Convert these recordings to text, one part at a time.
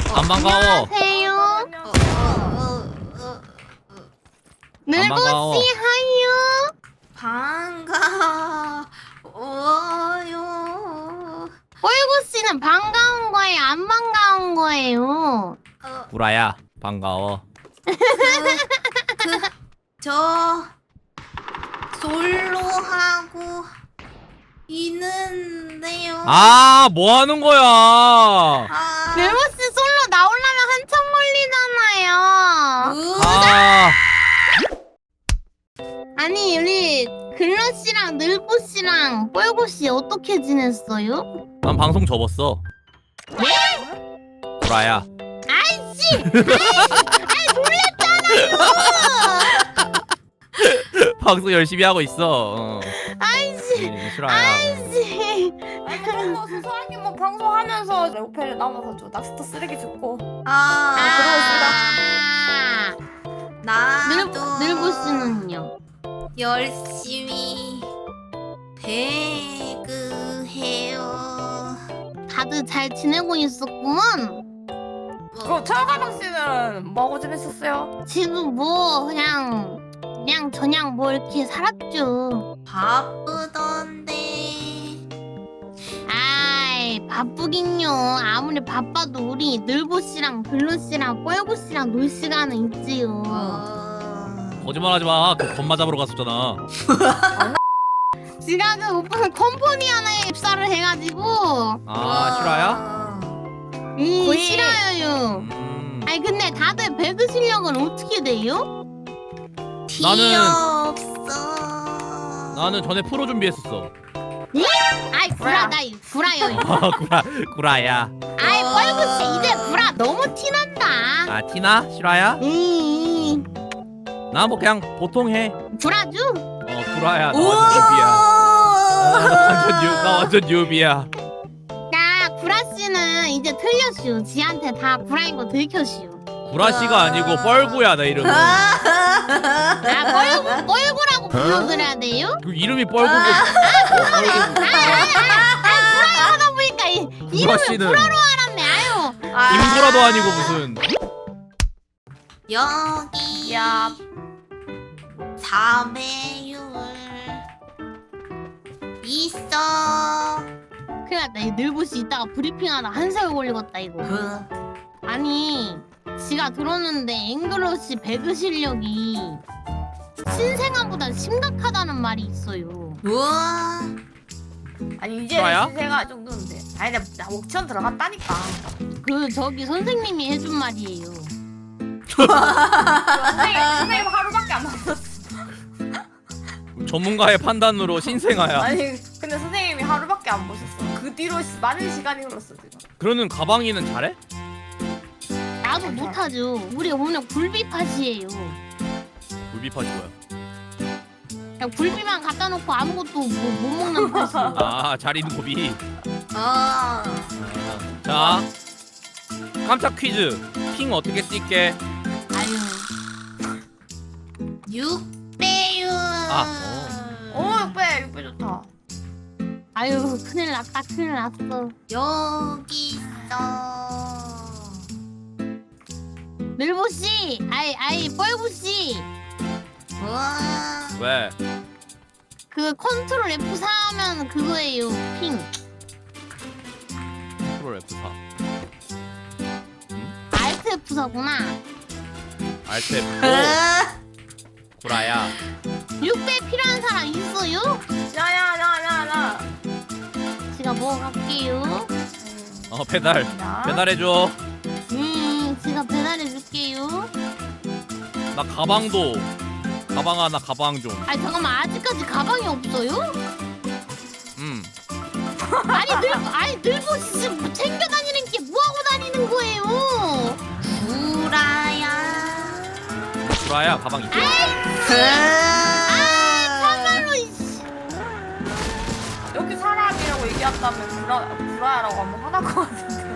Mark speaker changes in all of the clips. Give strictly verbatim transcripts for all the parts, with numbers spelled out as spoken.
Speaker 1: 안 반가워.
Speaker 2: 안녕하세요.
Speaker 3: 어, 어, 어, 어.
Speaker 1: 반가워.
Speaker 2: 늘보씨 하유.
Speaker 3: 반가워요.
Speaker 2: 뽀이고씨는 반가운 거예요? 안 반가운 거예요?
Speaker 3: 어,
Speaker 1: 구라야 반가워.
Speaker 3: 그, 그, 저 솔로 하고 있는데요.
Speaker 1: 아, 뭐 하는 거야?
Speaker 3: 아,
Speaker 2: 늘보씨 솔로 나오려면 한참 걸리잖아요.
Speaker 3: 으,
Speaker 1: 아,
Speaker 2: 아니 우리 글러씨랑 늘보씨랑 뽀이고씨 어떻게 지냈어요?
Speaker 1: 난 방송 접었어. 구라야.
Speaker 2: 아이씨! 아이 놀랬잖아요!
Speaker 1: 방송 열심히 하고 있어. 어.
Speaker 2: 아이씨!
Speaker 1: 이, 실화야.
Speaker 2: 아이씨!
Speaker 4: 아니 그런 소소하게 뭐 방송하면서 레오페를 남아서 저 낚시터 쓰레기 줍고
Speaker 3: 아,
Speaker 2: 아,
Speaker 3: 나도
Speaker 2: 늘, 늘보씨는요?
Speaker 3: 열심히 배그해요.
Speaker 2: 다들 잘 지내고 있었구먼.
Speaker 4: 그럼 철가방 씨는 뭐하고 지냈었어요?
Speaker 2: 지금 뭐 그냥 그냥 저냥 뭐 이렇게 살았죠.
Speaker 3: 바쁘던데.
Speaker 2: 아이 바쁘긴요. 아무리 바빠도 우리 늘보씨랑 글로씨랑 뽀여고씨랑 놀 시간은 있지요.
Speaker 3: 어...
Speaker 1: 거짓말하지 마. 그 건마 잡으러 갔었잖아.
Speaker 2: 지가 그 오빠는 컴퍼니 하나에 입사를 해가지고
Speaker 1: 아, 실화야?
Speaker 2: 음
Speaker 4: 거의-
Speaker 2: 싫어요.
Speaker 1: 음.
Speaker 2: 아니 근데 다들 배그 실력은 어떻게 돼요?
Speaker 1: 나는-
Speaker 3: 없어.
Speaker 1: 나는 전에 프로 준비했었어.
Speaker 2: 아이 구라 나 구라요. 이거.
Speaker 1: 아, 구라, 구라야.
Speaker 2: 아이 뻘구씨 이제 구라 너무 티난다.
Speaker 1: 아, 티나? 실화야?
Speaker 2: 음
Speaker 1: 나 뭐 그냥 보통 해.
Speaker 2: 구라주?
Speaker 1: 어, 구라야. 나 완전 뉴비야. 나 완전 뉴, 나 완전 뉴비야.
Speaker 2: 야 구라씨는 이제 틀렸슈. 지한테 다 구라인 거 들켰슈.
Speaker 1: 구라씨가 아니고 뻘구야, 내 이름은.
Speaker 2: 아 뻘구 뻘구라고 불러드려야 돼요?
Speaker 1: 그 이름이 뻘구고.
Speaker 2: 아 하다 보니까 이, 이름을
Speaker 1: 구라씨는
Speaker 2: 구라로 알았네. 아유.
Speaker 1: 임구라도 아니고 무슨.
Speaker 3: 여기
Speaker 4: 야
Speaker 3: 사배율 있어.
Speaker 2: 큰일 났다. 이 늘보씨 이따가 브리핑하다 한 세월 걸리겠다 이거.
Speaker 3: 그,
Speaker 2: 아니 지가 들었는데 앵글러시 배그 실력이 신생아보다 심각하다는 말이 있어요.
Speaker 3: 우와.
Speaker 4: 아니 이제
Speaker 1: 좋아요?
Speaker 4: 신세가 이 정도인데 아니 나, 나 옥천 들어갔다니까
Speaker 2: 그 저기 선생님이 해준 말이에요.
Speaker 4: 선생님 선생님 하루밖에 안 만났어
Speaker 1: 전문가의 판단으로 신생아야.
Speaker 4: 아니 근데 선생님이 하루밖에 안 보셨어 그 뒤로 시- 많은 시간이 흘렀어 지금
Speaker 1: 그러는 가방이는 잘해?
Speaker 2: 나도 못하죠. 우리 오늘 굴비팟이에요.
Speaker 1: 굴비팟이 뭐야?
Speaker 2: 그냥 굴비만 갖다 놓고 아무것도 뭐, 못 먹는 팟이에요.
Speaker 1: 아, 잘 있는 고비.
Speaker 3: 어.
Speaker 1: 자, 깜짝 퀴즈. 핑 어떻게 뛸게?
Speaker 2: 아유
Speaker 3: 육 배율.
Speaker 1: 아,
Speaker 4: 오 육배 육배 좋다
Speaker 2: 아유 큰일 났다 큰일 났어.
Speaker 3: 여기 있어.
Speaker 2: 늘보씨 아이 아이 뻘구씨
Speaker 3: 우와.
Speaker 1: 왜?
Speaker 2: 그 컨트롤 에프 사 하면 그거예요. 핑.
Speaker 1: 프로 에프 사.
Speaker 2: 알트 에프 사구나.
Speaker 1: 알트 에프 오.
Speaker 3: 으,
Speaker 1: 구라야.
Speaker 2: 육 배 필요한 사람 있어요?
Speaker 4: 야야야야야
Speaker 2: 제가 먹어갈게요.
Speaker 1: 어, 배달. 배달해줘.
Speaker 2: 음 제가 배달해줄게요.
Speaker 1: 나 가방도. 가방 하나, 가방 좀.
Speaker 2: 아니 잠깐만 아직까지 가방이 없어요?
Speaker 1: 음.
Speaker 2: 아니 늘 아니 늘보씨 지금 뭐 챙겨 다니는 게 뭐하고 다니는 거예요?
Speaker 3: 구라야.
Speaker 1: 구라야, 가방 있지?
Speaker 3: 그,
Speaker 2: 참말로 이씨.
Speaker 4: 여기 사람이라고 얘기한다면 불화, 불화야라고 하면 화날 것 같은데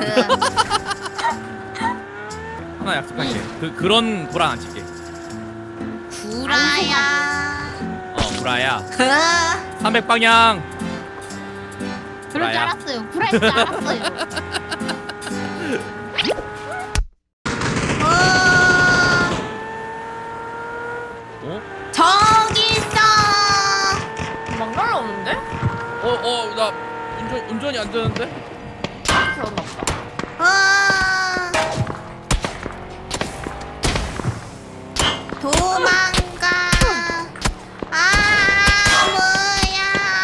Speaker 1: 하나 약속할게. 그, 그런 구라 안 칠게.
Speaker 3: 구라야.
Speaker 1: 어, 구라야.
Speaker 3: 그,
Speaker 1: 삼백 방향.
Speaker 2: 그럴 줄
Speaker 1: 구라야.
Speaker 2: 알았어요. 구라일 줄 알았어요.
Speaker 1: 운전이 안 되는데?
Speaker 4: 태웠나 보다.
Speaker 3: 와. 도망가. 아 뭐야.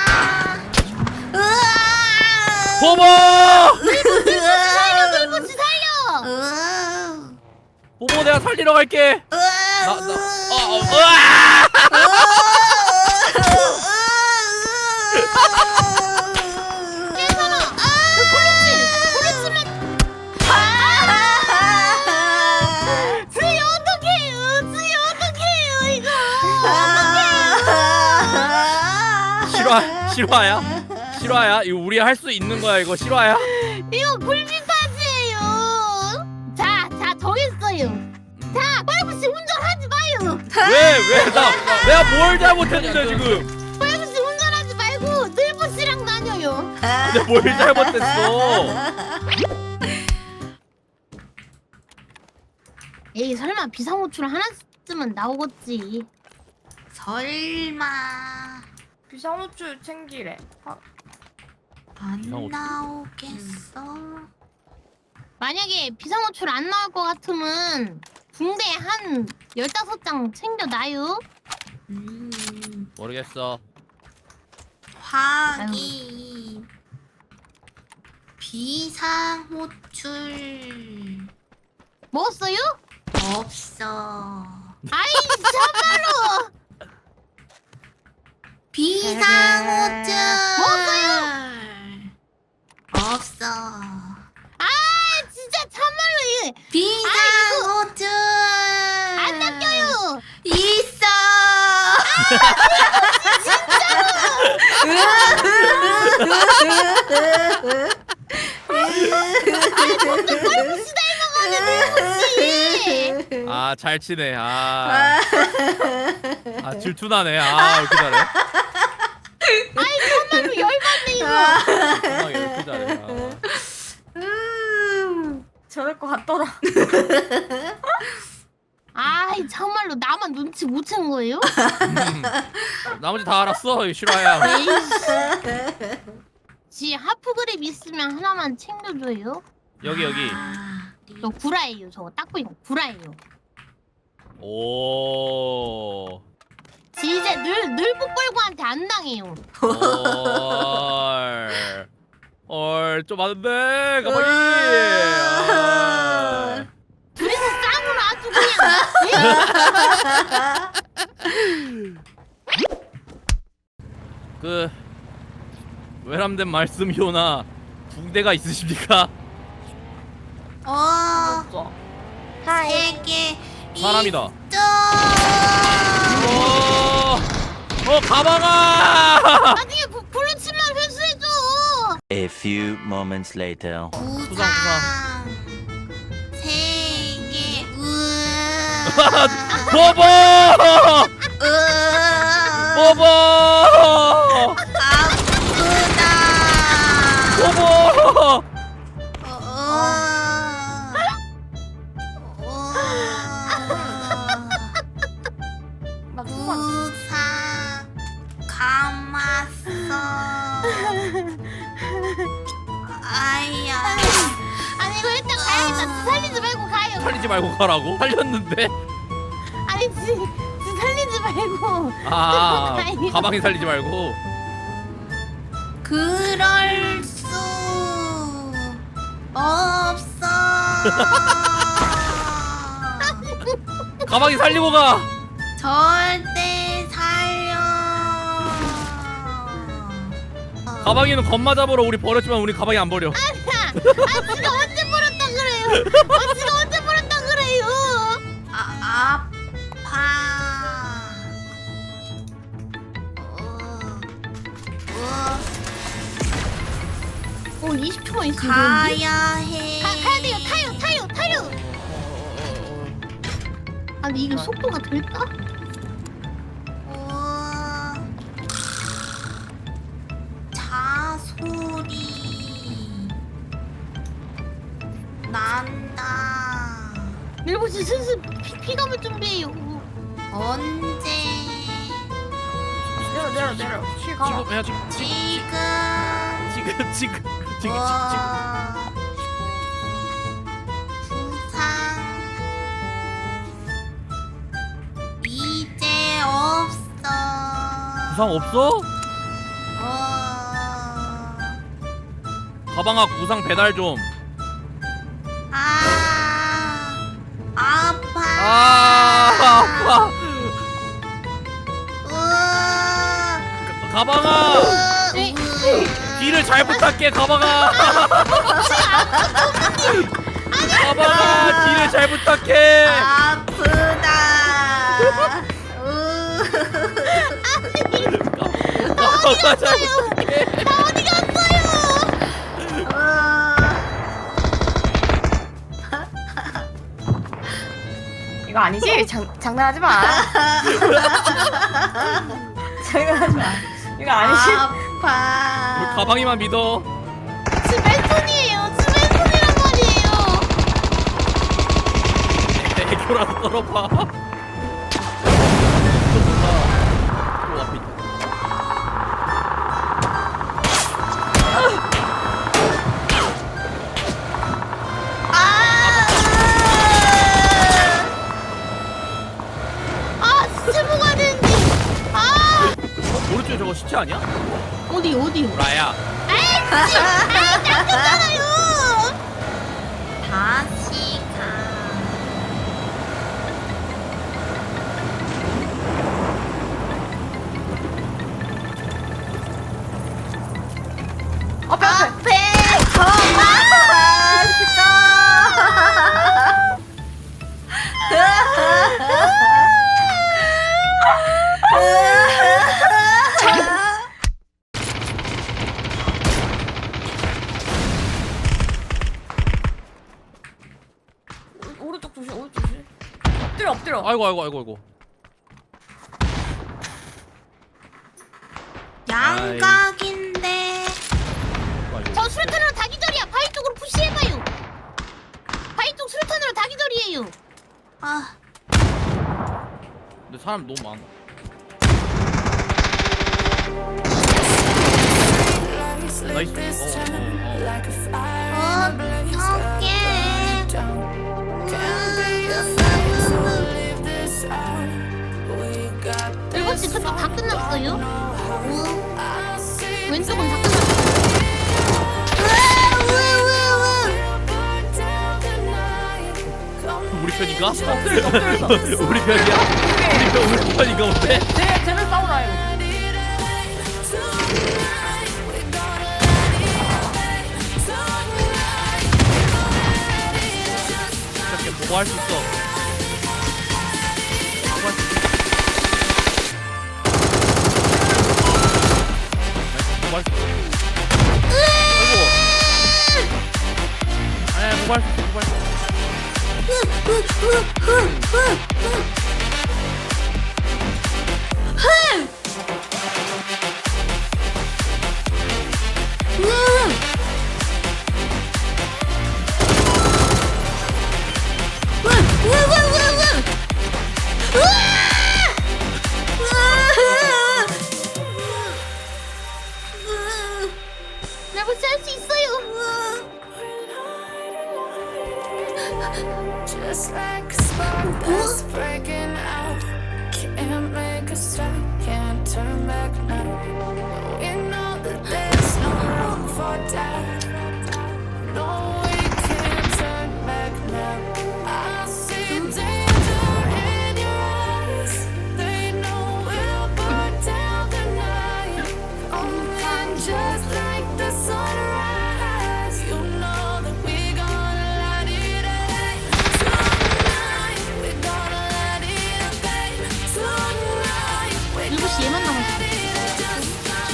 Speaker 3: 으아.
Speaker 1: 보보!
Speaker 2: 살려 늘보씨 살려.
Speaker 3: 으아.
Speaker 1: 보보 내가 살리러 갈게.
Speaker 3: 으아.
Speaker 1: 나 나. 어, 어, 으아!
Speaker 2: 괜찮아. 그렇지. 그렇지만 주희 어떡해요. 주희 어떡해요 이거.
Speaker 1: 실화 실화야? 실화야? 이거 우리 할 수 있는 거야 이거 실화야?
Speaker 2: 이거 굴비까지예요. 자, 자 정했어요. 자, 빨부씨 운전하지 마요.
Speaker 1: 왜 왜 나 내가 뭘 잘못했는데 지금?
Speaker 2: 빨부씨 운전하지 말고 늘보씨랑 다녀요.
Speaker 1: 내가 뭘 잘못했어?
Speaker 2: 에이 설마 비상호출 하나쯤은 나오겠지.
Speaker 3: 설마
Speaker 4: 비상호출 챙기래. 아,
Speaker 3: 안
Speaker 1: 비상호출.
Speaker 3: 나오겠어?
Speaker 2: 만약에 비상호출 안 나올 것 같으면 붕대 한 열다섯 장 챙겨놔요.
Speaker 3: 음,
Speaker 1: 모르겠어.
Speaker 3: 확인. 비상호출
Speaker 2: 먹었어요?
Speaker 3: 없어.
Speaker 2: 아이 참말로.
Speaker 3: 비상호출
Speaker 2: 먹었어요?
Speaker 3: 없어.
Speaker 2: 아 진짜 참말로 이
Speaker 3: 비상호출
Speaker 2: 안 낚여요.
Speaker 3: 있어.
Speaker 2: 빨부씨 닮아가네 늘보씨.
Speaker 1: 아 잘 치네. 아, 아 질투나네. 아 이렇게 잘해.
Speaker 2: 아이 참말로 열받네 이거.
Speaker 1: 아, 이렇게 잘해. 아.
Speaker 4: 저럴 것 같더라.
Speaker 2: 아이 참말로 나만 눈치 못 챈 거예요?
Speaker 1: 음, 나머지 다 알았어. 이 실화야.
Speaker 2: 에이씨. 지 하프 그립 있으면 하나만 챙겨줘요.
Speaker 1: 여기 여기.
Speaker 2: 저 구라예요. 저거 딱 보이고 구라예요.
Speaker 1: 오.
Speaker 2: 지 이제 늘 늘보 뻘고한테 안 당해요.
Speaker 1: 헐. 헐, 좀 많은데 가방이. 아.
Speaker 2: 둘이서 쌍으로 아주 그냥.
Speaker 1: 그 외람된 말씀이오나 붕대가 있으십니까?
Speaker 3: 어,
Speaker 4: 없어.
Speaker 3: 세계
Speaker 1: 사람이다.
Speaker 3: 있어.
Speaker 1: 어, 어 가방아.
Speaker 2: 나중에 부- 블루칩만 회수해줘.
Speaker 5: A few moments later.
Speaker 3: 부상.
Speaker 1: 부상,
Speaker 3: 세계 우.
Speaker 1: 보보.
Speaker 3: 으.
Speaker 1: 보보.
Speaker 3: 아프다.
Speaker 1: 보보.
Speaker 3: 어. 어.
Speaker 4: 나 누구만
Speaker 3: 부상 감았어. 아야.
Speaker 2: 아니 이거 일단 가야겠다. 살리지 말고 가요.
Speaker 1: 살리지 말고 가라고? 살렸는데?
Speaker 2: 아니 지, 지 살리지 말고.
Speaker 1: 아,
Speaker 2: 가요.
Speaker 1: 가방이 살리지 말고.
Speaker 3: 그럴 수 없어.
Speaker 1: 가방이 살리고 가.
Speaker 3: 절대 살려.
Speaker 1: 가방이는 겁마 잡으러 우리 버렸지만 우리 가방이 안 버려.
Speaker 2: 아 지가 언제 버렸다 그래요? 아 지가 언제 버렸다 그래요?
Speaker 3: 아, 아파. 어, 어,
Speaker 2: 어 이십 초만 있으면 되는데?
Speaker 3: 가야 해.
Speaker 2: 가, 가야 돼요. 타요 타요 타요. 아 근데 이게 속도가 될까?
Speaker 3: 어, 자소리 난다.
Speaker 2: 밀보씨 슬슬 피, 피감을 준비해요.
Speaker 3: 언제?
Speaker 4: 내려 내려 내려. 키 가봐.
Speaker 1: 지금 해야지.
Speaker 3: 지금
Speaker 1: 지금 지금 지금 지금
Speaker 3: 우와. 부상 이제 없어.
Speaker 1: 부상 없어?
Speaker 3: 어.
Speaker 1: 가방아 구상 배달 좀.
Speaker 3: 아 아파.
Speaker 1: 아 아파.
Speaker 3: 으아.
Speaker 1: 가방아
Speaker 2: 네.
Speaker 1: 뒤를 잘 부탁해 가방아. 가방아 뒤를 잘 부탁해.
Speaker 3: 아프다.
Speaker 1: 가방아 잘 부탁해.
Speaker 2: 나 어디 갔어요?
Speaker 4: 이거 아니지? 장, 장난하지 마. 장난하지 마. 이거 아니지?
Speaker 1: 우리
Speaker 3: 아파.
Speaker 1: 가방이만 믿어.
Speaker 2: 지 맨손이에요. 지 맨손이란 말이에요.
Speaker 1: 애교라도 떨어봐. 또 앞에 있다.
Speaker 2: 아 시체 먹어야 되는데. 아
Speaker 1: 어, 오른쪽에 저거 시체 아니야?
Speaker 2: 어디 어디?
Speaker 1: 라야.
Speaker 2: 아이 씨. 아이 낚였잖아요.
Speaker 3: 다시 가.
Speaker 4: 앞에 앞에.
Speaker 3: 앞에
Speaker 4: 오- 오른쪽 조심 오른쪽 조심. 엎드려 엎드려.
Speaker 1: 아이고 아이고 아이고 아이고.
Speaker 3: 양각인데.
Speaker 1: 아이고.
Speaker 2: 저 수류탄으로 다 기절이야. 바위 쪽으로 푸시해봐요. 바위 쪽 수류탄으로 다 기절이에요.
Speaker 3: 아,
Speaker 1: 근데 사람 너무 많아. 나이스. 어, 어, 어.
Speaker 3: 어떡해.
Speaker 2: 일곱 시 그쪽 다 끝났어요?
Speaker 3: 우,
Speaker 2: 왼쪽은 다 끝났어요.
Speaker 3: 우, 우, 우.
Speaker 1: 우리 편인가?
Speaker 4: 엎드려 엎드려.
Speaker 1: 우리 편이야? 우리 편 우리 편인가 본데?
Speaker 4: 쟤 쟤는 싸우라 이거.
Speaker 1: 이렇게 보고 할 수 있어. 보고 할수 있어. 나이스, 보고 할수 있어. 아이고. 아니, 보고 할수 있어. 보고 할수 있어.
Speaker 2: 레버스 할수 있어요.
Speaker 6: Just like a spark that's breaking out. Can't make a stop, can't turn back now. We know that there's no room for doubt. No, we can't turn back now. I see danger in your eyes. They know we'll burn down the night. Coming just like the sunrise. You know that we gonna light it up. Tonight, we gonna light it up, babe. Tonight, we
Speaker 2: 일곱 시 얘만 남았어.
Speaker 6: gonna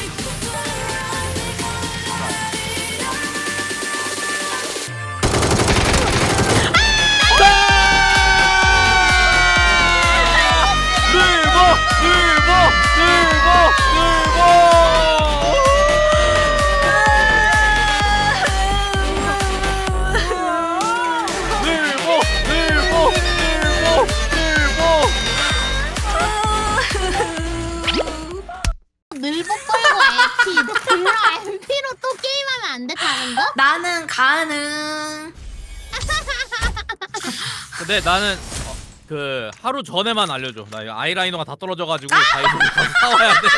Speaker 3: 가능.
Speaker 1: 근데 나는 어, 그 하루 전에만 알려줘. 나 이거 아이라이너가 다 떨어져가지고 다이소를 가서 사와야 돼.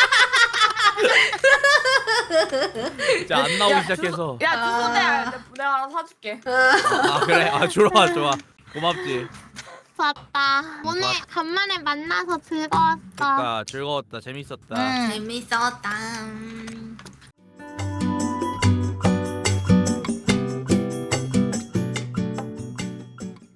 Speaker 1: 진짜 안 나오기
Speaker 4: 야,
Speaker 1: 시작해서.
Speaker 4: 주소, 야 주소 내가 내가 하나 사줄게.
Speaker 1: 아 그래? 아 좋아 좋아. 고맙지.
Speaker 2: 좋았다. 오늘
Speaker 1: 좋았-
Speaker 2: 간만에 만나서 즐거웠어.
Speaker 1: 그러니까 즐거웠다. 재밌었다.
Speaker 2: 응.
Speaker 3: 재밌었다. 음.